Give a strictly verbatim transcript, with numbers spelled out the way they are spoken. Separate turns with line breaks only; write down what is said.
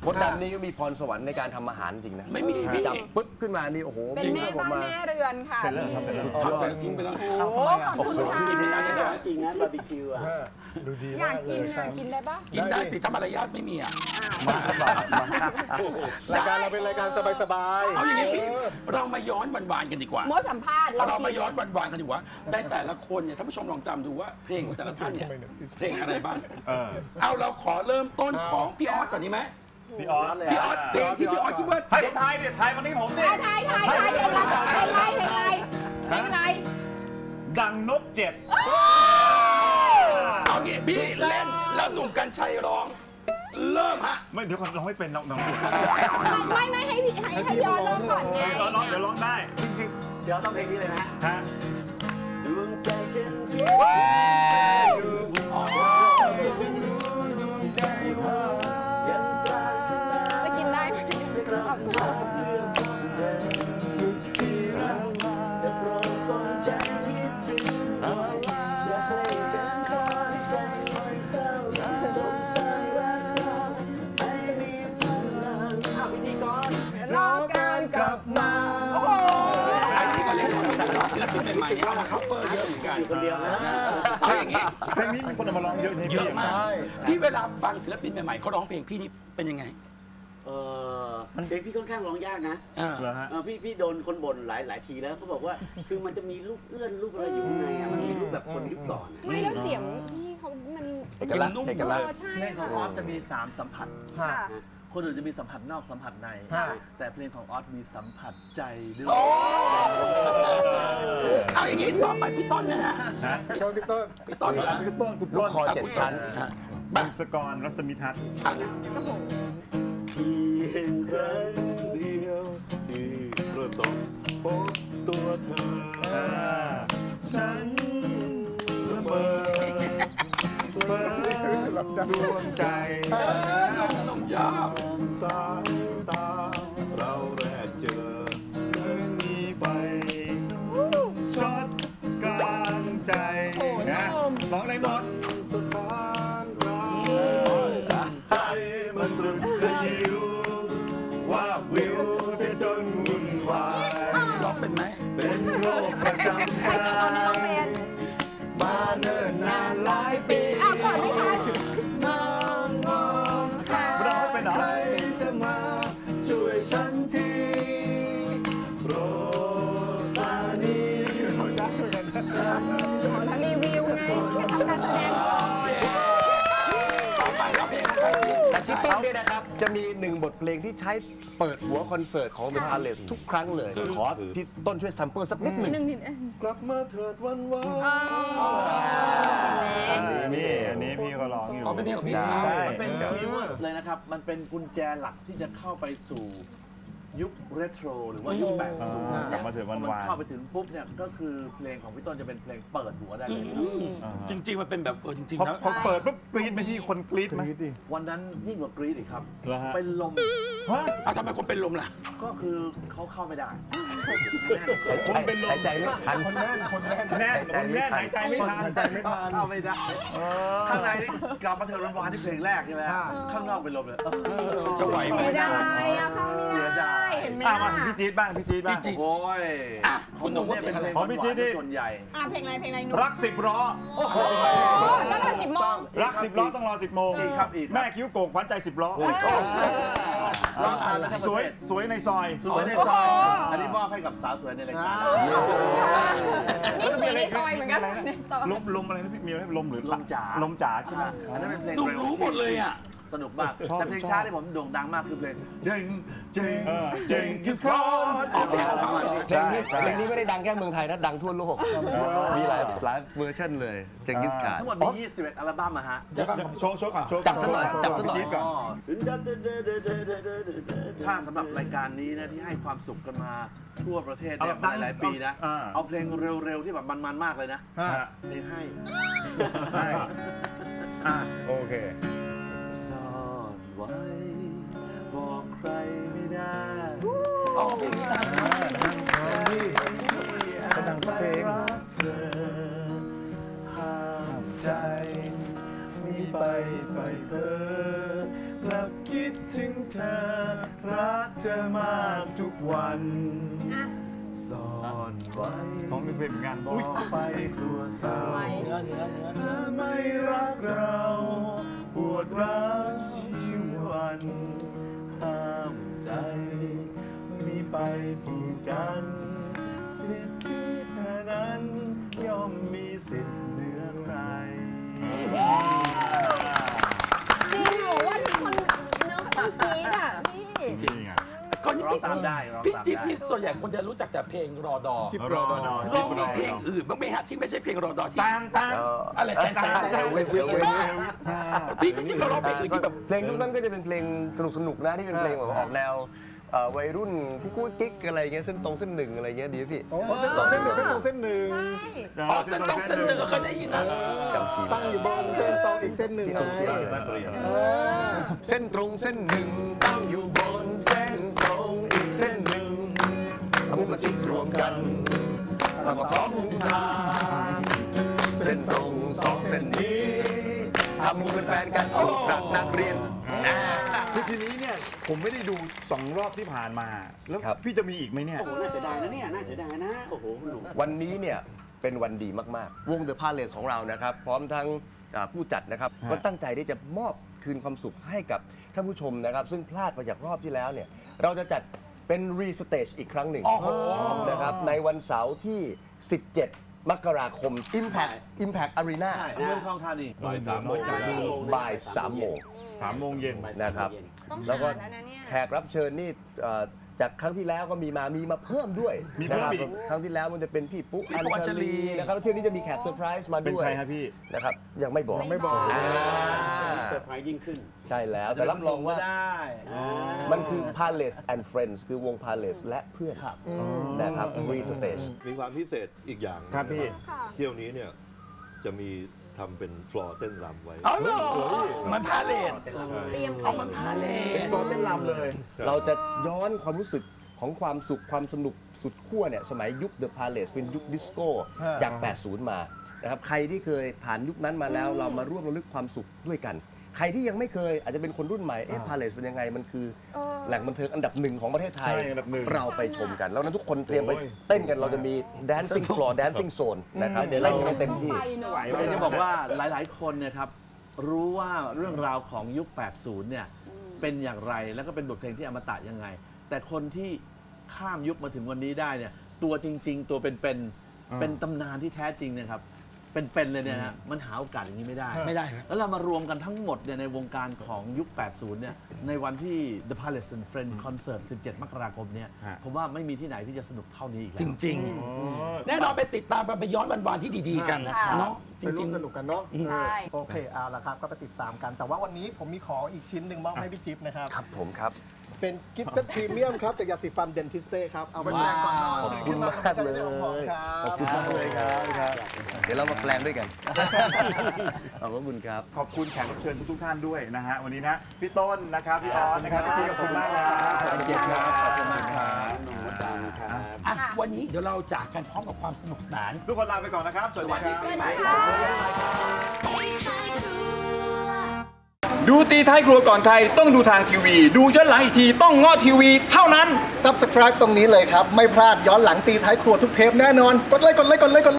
มดดำนี่ก็มีพรสวรรค์ในการทำอาหารจริงนะ
ไม่มีพี่
จับปึ๊บขึ้นมานี่โอ้โห
เป็นแม่บ้านแม่เรือนค่ะ
เสร็จแล้วครับเสร็จแล้ว
ทำเสร็จทิ้งไปแล้ว
โอ้โหขอบคุณค่ะ
กินไม่ได้ไม่ได้
จริงนะบาร์บีคิวอ่ะ
ดูดี
อยากกินนะกินได้ปะ
กินได้สิถ้ามารยาทไม่มีอ่ะ
รายการเราเป็นรายการสบายๆ
เอาอย่างนี้พี่เรามาย้อนวันๆกันดีกว่า
โมสัมภาษณ์
เรามาย้อนวันๆกันดีกว่าได้แต่ละคนเนี่ยท่านผู้ชมลองจำดูว่าเพลงของแต่ละท่านเนี่ยเพลงอะไรบ้างเอาเราขอเริ่มต้นของพี่ออสก่อนดีไหม
พี่ออส
พี่ออสเพลงที่พี่ออสคิดว่า
ให้ผมทายเนี่ยทายวันนี้ผมเนี่ย
ทายทายทายเพลงอะไรเพลงอะไรเพลงอะไร
ดังนกเจ็บ
เอางี้พี่เล่นแล้วหนุ่มกัญชัยร้องเริ่มฮะ
ไม่เดี๋ยวก่อนร้องไม่เป็นน้องน้อง
ไม่ไม่ให้พี่ให้ให้ย้อนร้องก่อนไง
ร้องเดี๋ยวร้องได้
เดี๋ยวต้องเพลงนี้เลยนะ
ฮะ
ดวงใจฉันคิด
จะกินได้ไหม
สุดที่รักแต่โปรดสนใจคิดถึงอย่าให้ฉันคอยใจมันเศร้าจบสายรักเราให้มีพลังเอาพิธีกร
รอการกลับมาโอ้โห
อันนี้ก็เล่นแต่ละศิลปินใหม่ๆเข้ามาคัฟเวอร์เยอะเหมือนกัน
คนเดียวนะ
เอาอย่างนี้
เพลงนี้มีคนมาร้องเยอะ
เยอะมากพี่เวลาฟังศิลปินใหม่ๆเขาร้องเพลงพี่นี่เป็นยังไง
เออเพลงพี่ค่อนข้างร้องยากนะพี่พี่โดนคนบ่นหลายหลายทีแล้วเขาบอกว่าคือมันจะมีลูกเอื้อนลูกอะไรอยู่ข้างในอ่ะมันมีลูกแบบคนยุคก่อน
ไม่แล้วเสียงพี่เขามัน
เอกลักษณ์เอกลักษณ์
เพลงของออสจะมีสามสัมผัสคนอื่นจะมีสัมผัสนอกสัมผัสในแต่เพลงของออสมีสัมผัสใจด้วย
เอาอย่างนี้ต่อไปพี่ต้นนะฮะ
พี่ต้นพี่ต้น
พี่ต้น
พี่ต้นคุณ
ต้นคอเจ็ดชั้น
บังสกรรัศมีทัศน์
เพียงครั้งเดียวที่ประสบพบตัวเธอฉันละเมอเปิดดวงใจ
น้องจ้า
สายตาเราแรกเจอเมื่อมีไฟช็อตกลางใจ
นะร้องได้หมด
สถานรักใจมันสุดสยิวว่าวิวเสียจนวุ่นวาย
ร้องเป็นไหม
เป็นโรคประจำกายมาเนิ่นนานหลายปี
อ้าวก่อนไม่ทัน
นอนมองหาใครจะมาช่วยฉันทีโปรดตานี
ขอรีวิวไงแค่ทำการแสดงก่อน
ต่อไปเราเพลง
แต่ชิปปิ้งเนี่ยนะครับจะมีหนึ่งบทเพลงที่ใช้เปิดหัวคอนเสิร์ตของ The Palace ทุกครั้งเลยขอพี่ต้นช่วยซัมเปิลสักนิดหนึ่ง
กลับมาเถิดวันวาน
อันนี้นี่อันนี้พี่ก็ร้องอยู่
อ๋อเป็นเพลงของพี่
มันเป็นคีย์เวิร์ดเลยนะครับมันเป็นกุญแจหลักที่จะเข้าไปสู่ยุคเรโทรหรือว่ายุคแปดสิบ
กลับมาถึงวันวาน
เข้าไปถึงปุ๊บเนี่ยก็คือเพลงของพี่ต้นจะเป็นเพลงเปิดหัวได้เลย
จริงๆมันเป็นแบบเออจริงๆ
นะพอเปิดปุ๊บกรี๊ดไปที่คนกรี๊ดไหม
วันนั้นยิ่งกว่ากรี๊ดอีกครับเป็นลม
ฮะ
ทำไมคนเป็นลมล่ะ
ก็คือเขาเข้าไม่ได้
คนเป็นลมหายใจไม่ทัน
คนแน่นคนแน่นแน่นคนแน่นหายใจไม่ทัน
หายใจไม่ทันเข้าไม่ได้ข้างในนี่กลับมาเถิดวันวานที่เพลงแรกใช่ไหมข้างนอกเป็นลมเลย
จะไหวไหม
ไม่ได้อะเข้าไม่ได้เห็นไหม
มาพี่จี๊ดบ้างพี่จี๊ดบ้าง
โอ้ย
คุณหนุ่มว่าเป็นอะไร
ของพี่จี๊ดที่ส่วนใหญ่
อ่ะเพลงอะไรเพลงอะไรนุ่ม
รักสิบล้อ
โอ้โหต้องรอสิบโมง
รักสิบล้อต้องรอสิบโมง
อีกครับอีก
แม่คิ้วโก่งขวัญใจสิบล้อสวยสวยในซอย
สวยในซอยอันนี้มอบให้กับสาวสวยในรายการ
นี่สวยในซอยเหมือนกัน
ลมลมอะไรนะพี่มีอะไรลมหรือ
ลมจ๋า
ลมจ๋าใช่ไหม
อันนั้นเป็นเพลง
รู้หมดเลยอ่ะ
สนุกมากแต่เพลงช้าที่ผมโด่งดังมากคือเพลงเจงเจงเจงกิสคอน
เพลงนี้เพลงนี้ไม่ได้ดังแค่เมืองไทยนะดังทั่วโลกมีหลายหลายเวอร์ชันเลยเจงกิสคาน
ทั้งหมดมียี่สิบเอ็ดอัลบั้มอะฮะ
โชว์โชว์ก่อนโชว์
จับต้นหน่อยจับต้นหน่อย
ก่อนถ้าสำหรับรายการนี้นะที่ให้ความสุขกันมาทั่วประเทศเนี่ยหลายหลายปีนะเอาเพลงเร็วๆที่แบบมันๆมากเลยนะเพลงให้
โอเค
ซ่อนไว้บอกใครไม่ได้
อ๋อเพลงนี้ดังมาก
ก็ดังเพลง
เธอห้ามใจมีไปไฟเพ้อกลับคิดถึงเธอรักเธอมากทุกวันซ่อนไว้
น้องนึกเพลงงานบอ
บอกไปกลัวเศร้า
เนื้อเนื้อเนื้อ
เธอไม่รักเราปวดร้าวชีวันห้ามใจมีไปกี่กันสิทธิเธอนั้นย่อมมีสิทธิ์เหนือใคร
จริงเหรอว่าที่คนเนื้อปากปีดอ่ะพี่
จริงอ่ะ
คนนี้
ร้อง
พี่
ตาม
จิ๊บ
ได้ร้อง
พี่
ตาม
จิ๊บ
ได้
นี่ส่วนใหญ่คนจะรู้จักแต่เพลงรอดอ
จิ๊บรอดอ
ลองมีเพลงอื่นบ้างไหมฮะที่ไม่ใช่เพลงรอดอที่
ตางตาง
อะไรแต่ง
ตางตาง
เวฟเวฟเวฟ
พี่พี่จิ๊บเราร้องเพลงอื่นที่แบบ
เพลงยุคนั้นก็จะเป็นเพลงสนุกสนุกๆนะที่เป็นเพลงแบบออกแนวเอ่อวัยรุ่นกุ๊กกุ๊กกิ๊กอะไรเงี้ยเส้นตรงเส้นหนึ่งอะไรเงี้ยดีไหมพี่
โอ้เส้นตรงเส้นหนึ่งเส้นตรงเส้นหนึ่ง
อ๋อเส้นตรงเส้นหนึ่งก็เคยได้ยินนะ
จำคีย์
ตั้งอยู่บนเส้นตรงอีกเส้นหนึ่งไง
ตั้งเรียน
เส้นตรงเส้นหนึ่งตั้งอยู่บนเส้นตรงอีกเส้นหนึ่งเอามือมาชิดรวมกันเราก็พร้อมมุงทางเส้นตรงสองเส้นนี้ทำมือเป็นแฟนกันถูกรักนักเรียน
คือทีนี้เนี่ยผมไม่ได้ดูสองรอบที่ผ่านมา แล้ว
ครับ
พี่จะมีอีกไหมเนี่ย
โอ้โหน่าเสียดายนะเนี่ยน่าเสียดายนะโอ้โหหนุ่ม
วันนี้เนี่ยเป็นวันดีมากๆ วง The Palace ของเรานะครับ พร้อมทั้งอ่าผู้จัดนะครับ
ฮะ
ก็ตั้งใจที่จะมอบคืนความสุขให้กับท่านผู้ชมนะครับ ซึ่งพลาดไปจากรอบที่แล้วเนี่ยเราจะจัดเป็นรีสเตจอีกครั้งหนึ่ง
โอ้โห
นะครับในวันเสาร์ที่ สิบเจ็ด มกราคม Impact Impact Arena
เมืองทองธานี บ่ายสามโมง
บ่ายสามโมง
สามโมงเย็น
นะครับ
ต้อง
แล้วก็
หาแล้วนะเนี่ย
แขกรับเชิญนี่เอ่อจากครั้งที่แล้วก็มีมามีมาเพิ่มด้วย
มีเพิ่ม
นะครับ
อีก
ครั้งที่แล้วมันจะเป็นพี่ปุ๊
พี่ปุ๊อัญชลี
นะครับแล้วเที่ยวนี้จะมีแขกเซอร์ไพรส์มา
เป็น
ด้วย
ใครครับพี่
นะครับยังไม่บอก
ไม่บอก
อ่า
เซอร์ไพรส์ยิ่งขึ้น
ใช่แล้วแต่รับรองว่า
ได้
มันคือ Palace and Friends คือวง Palace และเพื่อนนะครับ Re Stage
มีความพิเศษอีกอย่าง
ครับพี่
ค่ะ
เที่ยวนี้เนี่ยจะมีทำเป็นฟลอร์เต้นรำไว้
เอาเหรอมันพาเลท
เตรียม
เอามันพาเลท
ตอนเต้นรำเลย
เราจะย้อนความรู้สึกของความสุขความสนุกสุดขั้วเนี่ยสมัยยุค The Palace เป็นยุคดิสโก้จาก แปดสิบ มานะครับใครที่เคยผ่านยุคนั้นมาแล้วเรามาร่วมระลึกความสุขด้วยกัน ใครที่ยังไม่เคยอาจจะเป็นคนรุ่นใหม่เอ๊ะ Palace เป็นยังไงมันคือแหล่งบันเทิงอันดับหนึ่งของประเทศไทย
ใช่อันดับหนึ่ง
เราไปชมกัน แล้วนั้นทุกคนเตรียมไป
โอ้ย
เต้นกันเราจะมี dancing floor dancing zone นะครับเล่นกันเต็มที่
ไปเนอะ
อยากจะบอกว่าหลาย ๆ คนเนี่ยครับรู้ว่าเรื่องราวของยุค แปดสิบ เนี่ยเป็นอย่างไรแล้วก็เป็นบทเพลงที่อมตะยังไง แต่คนที่ข้ามยุคมาถึงวันนี้ได้เนี่ยตัวจริง ๆ ตัวเป็นๆเป็นตำนานที่แท้จริงเนะครับเป็นๆเลยเนี่ยนะมันหาโอกาสอย่างนี้ไม่ได้
ไม่ได้นะ
แล้วเรามารวมกันทั้งหมดเนี่ยในวงการของยุค แปดสิบ เนี่ยในวันที่ The Palace and Friends Concert สิบเจ็ด มกราคมเนี่ย
ฮะ
ผมว่าไม่มีที่ไหนที่จะสนุกเท่านี้อีกแล้
จ
ว
ริง ๆ แน่นอนไปติดตามกันไปย้อนวันๆที่ดีๆกันเนาะจ
ไปร่
ริ
ว
ง
มสนุกกันเนาะ
ใช่
โอเคเอาละครับก็ไปติดตามกัน แต่ว่าวันนี้ผมมีของอีกชิ้นหนึ่งมอบให้พี่จิ๊บนะครับ
ครับผมครับ
เป็นกิฟต์เซตพรีเมียมครับจากยาสีฟันเดนทิสเต้ครับ เอาไปแปรงก่อนนอน
ขอบคุณมากเลย
ขอบคุณมากเลยครับ
ครับ เดี๋ยวเรามาแปลงด้วยกัน ขอบคุณครับ
ขอบคุณแขกรับเชิญทุกๆท่านด้วยนะฮะวันนี้นะพี่ต้นนะครับพี่ออสนะครับพี่จิ๊บขอบคุณมากครับขอบคุณครับขอบคุณมากครับ
ๆอ่ะวันนี้เดี๋ยวเราจากกันพร้อมกับความสนุกสนาน
ทุกคนลาไปก่อนนะครับสวัสดีครับ
ปีใหม่
ดูตีท้ายครัวก่อนใครต้องดูทางทีวี ดูย้อนหลังอีกทีต้องง้อทีวีเท่านั้น
Subscribe ตรงนี้เลยครับ ไม่พลาดย้อนหลังตีท้ายครัวทุกเทปแน่นอน กดไลค์กดไลค์กดไลค์กดไลค์